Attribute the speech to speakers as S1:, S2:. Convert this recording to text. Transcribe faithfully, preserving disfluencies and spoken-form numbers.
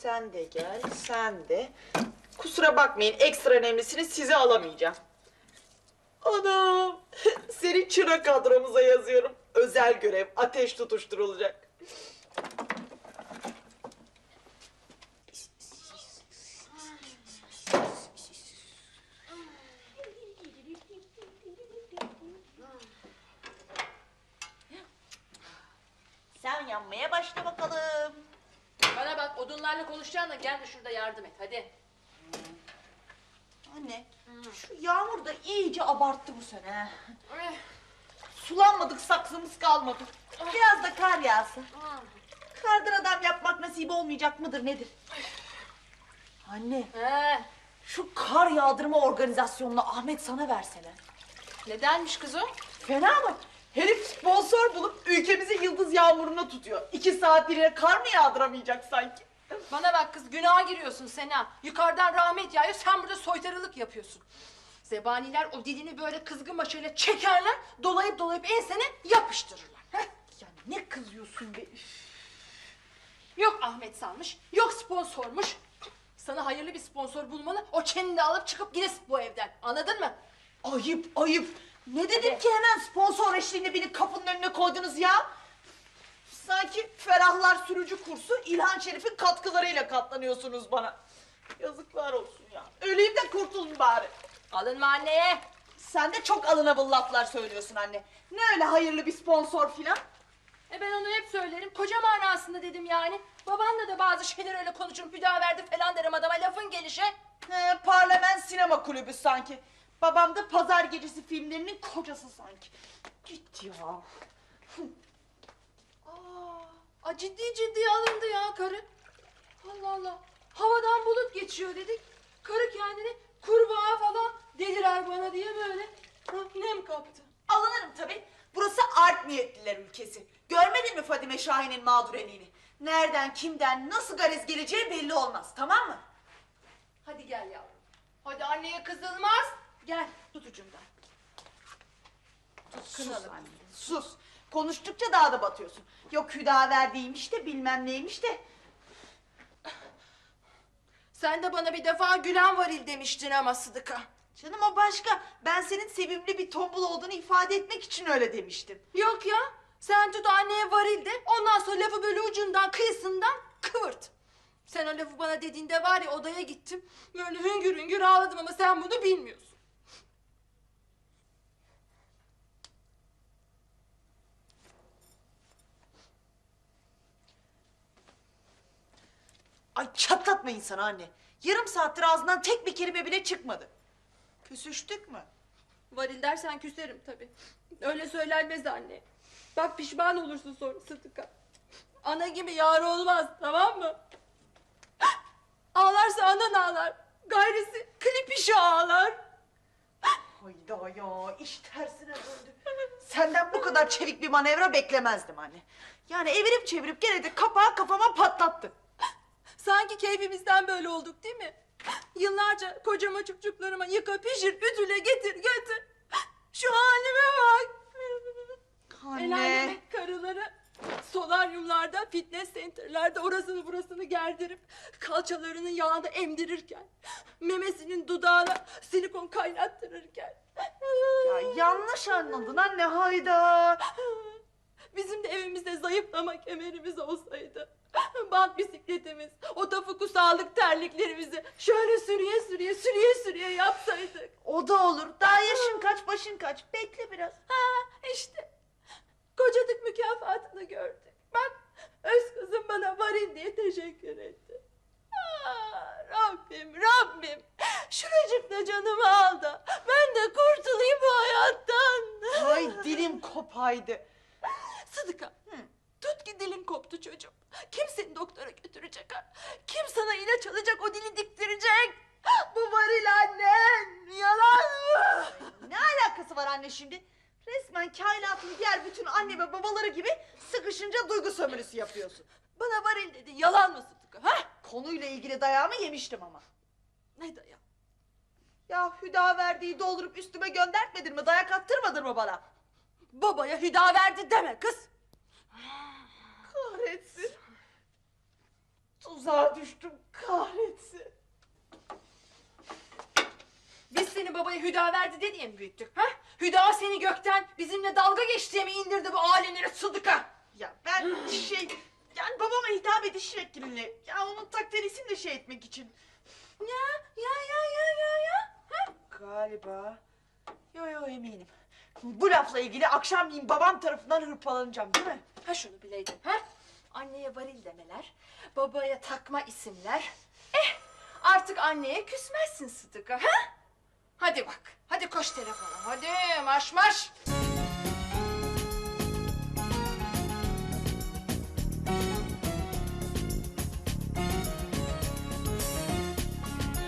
S1: Sen de gel, sen de. Kusura bakmayın, ekstra önemlisini size alamayacağım. Anam, seni çırak kadromuza yazıyorum. Özel görev, ateş tutuşturulacak. Sen yanmaya başla bakalım.
S2: Bana bak, odunlarla konuşacağına gel de şurada yardım et, hadi.
S1: Anne, şu yağmur da iyice abarttı bu sene.
S2: Eh,
S1: Sulanmadık, saksımız kalmadı. Biraz da kar yağsa. Kardan adam yapmak nasip olmayacak mıdır nedir? Anne,
S2: He,
S1: şu kar yağdırma organizasyonunu Ahmet sana versene.
S2: nedenmiş kız o?
S1: Fena mı? Herif sponsor bulup ülkemizi yıldız yağmuruna tutuyor. İki saatliğine kar mı yağdıramayacak sanki?
S2: Bana bak kız, günaha giriyorsun Sena. Yukarıdan rahmet yağıyor, sen burada soytarılık yapıyorsun. Zebaniler o dilini böyle kızgın başıyla çekerler, dolayıp dolayıp ensene yapıştırırlar. Heh.
S1: Ya ne kızıyorsun be? Üf.
S2: Yok Ahmet sanmış, yok sponsormuş. Sana hayırlı bir sponsor bulmalı, o çeneni de alıp çıkıp gidesin bu evden. Anladın mı?
S1: Ayıp ayıp. Ne dedim ki hemen sponsor eşliğinde beni kapının önüne koydunuz ya? Sanki Ferahlar Sürücü kursu İlhan Şerif'in katkılarıyla katlanıyorsunuz bana. Yazıklar olsun ya. Öleyim de kurtulun bari.
S2: Alınma anneye.
S1: Sen de çok alınable laflar söylüyorsun anne. Ne öyle hayırlı bir sponsor filan?
S2: E ben onu hep söylerim, koca manasında dedim yani. Babanla da bazı şeyler öyle konuşurum, verdi falan derim adama, lafın gelişi.
S1: He, parlament sinema kulübü sanki. Babam da pazar gecesi filmlerinin kocası sanki. Git ya.
S2: Aa, a, ciddi ciddi alındı ya karı. Allah Allah. Havadan bulut geçiyor dedik. Karı kendini kurbağa falan delirer bana diye böyle ha, nem kaptı.
S1: Alınırım tabii. Burası art niyetliler ülkesi. Görmedin mi Fadime Şahin'in mağdureliğini? Nereden, kimden, nasıl garez geleceği belli olmaz, tamam mı?
S2: Hadi gel yavrum. Hadi anneye kızılmaz. Gel tut ucundan. Tut
S1: Sus
S2: kınalı.
S1: anne, sus. Konuştukça daha da batıyorsun. Yok Hüdaverdi'ymiş de bilmem neymiş de.
S2: Sen de bana bir defa gülen varil demiştin ama Sıdıka.
S1: Canım o başka. Ben senin sevimli bir tombul olduğunu ifade etmek için öyle demiştim.
S2: Yok ya. Sen tut anneye varil de, ondan sonra lafı böyle ucundan kıyısından kıvırt. Sen o lafı bana dediğinde var ya, odaya gittim. Böyle hüngür hüngür ağladım ama sen bunu bilmiyorsun.
S1: Ay çatlatma insanı anne. Yarım saattir ağzından tek bir kelime bile çıkmadı. Küsüştük mü?
S2: Varil dersen küserim tabii. Öyle söylenmez anne. Bak pişman olursun sonra Sıdıka. Ana gibi yar olmaz, tamam mı? Ağlarsa anan ağlar. Gayrisi klip işi ağlar.
S1: Hayda ya, iş tersine döndü. Senden bu kadar çevik bir manevra beklemezdim anne. Yani evirip çevirip gene de kapağı kafama patlattı.
S2: Sanki keyfimizden böyle olduk değil mi? Yıllarca kocama çocuklarıma yıka pişir ütüle getir götür. Şu halime bak. El
S1: Anne.
S2: alemin karıları solaryumlarda, fitness center'larda orasını burasını gerdirip kalçalarının yağını emdirirken, memesinin dudağına silikon kaynattırırken.
S1: Ya yanlış anladın anne, hayda.
S2: Bizim de evimizde zayıflama kemerimiz olsaydı, bant bisikletimiz, o tafuku sağlık terliklerimizi şöyle sürüye sürüye sürüye sürüye yapsaydık.
S1: O da olur. Daha yaşın kaç, başın kaç. Bekle biraz.
S2: Ha işte, kocadık mükafatını gördük. Bak, öz kızım bana varil diye teşekkür etti. Aa, Rabbim, Rabbim, şuracıkta canımı al da ben de kurtulayım bu hayattan.
S1: Ay dilim kopaydı.
S2: Sıdıka, hı. Tut ki dilin koptu çocuğum. Kim seni doktora götürecek ha? Kim sana ilaç alacak, o dili diktirecek? Bu varil annen, yalan mı?
S1: Ne alakası var anne şimdi? Resmen kainatın diğer bütün anne ve babaları gibi sıkışınca duygu sömürüsü yapıyorsun.
S2: Bana varil dedi, yalan mı Sıdıka? Ha?
S1: Konuyla ilgili dayağımı yemiştim ama.
S2: Ne dayan?
S1: Ya Hüdaverdi'yi doldurup üstüme göndertmedin mi? Dayak attırmadın mı bana?
S2: Babaya hüda verdi deme kız.
S1: Kahretsin. Tuzağa düştüm kahretsin.
S2: Biz seni babaya Hüda verdi de diye mi büyüttük? Ha? Hüda seni gökten bizimle dalga geç diye mi indirdi bu alemlere Sıdık'a?
S1: Ya ben şey... Yani babama hitap ediş şeklinle... Ya onun takderisini de şey etmek için.
S2: Ya ya ya ya ya ya. Ha?
S1: Galiba. Yo yo eminim. Bu lafla ilgili akşamleyin babam tarafından hırpalanacağım değil mi?
S2: Ha şunu bileydin ha? Anneye varil demeler, babaya takma isimler. Eh artık anneye küsmezsin Sıdık'a ha? Hadi bak, hadi koş telefona, hadi marş marş.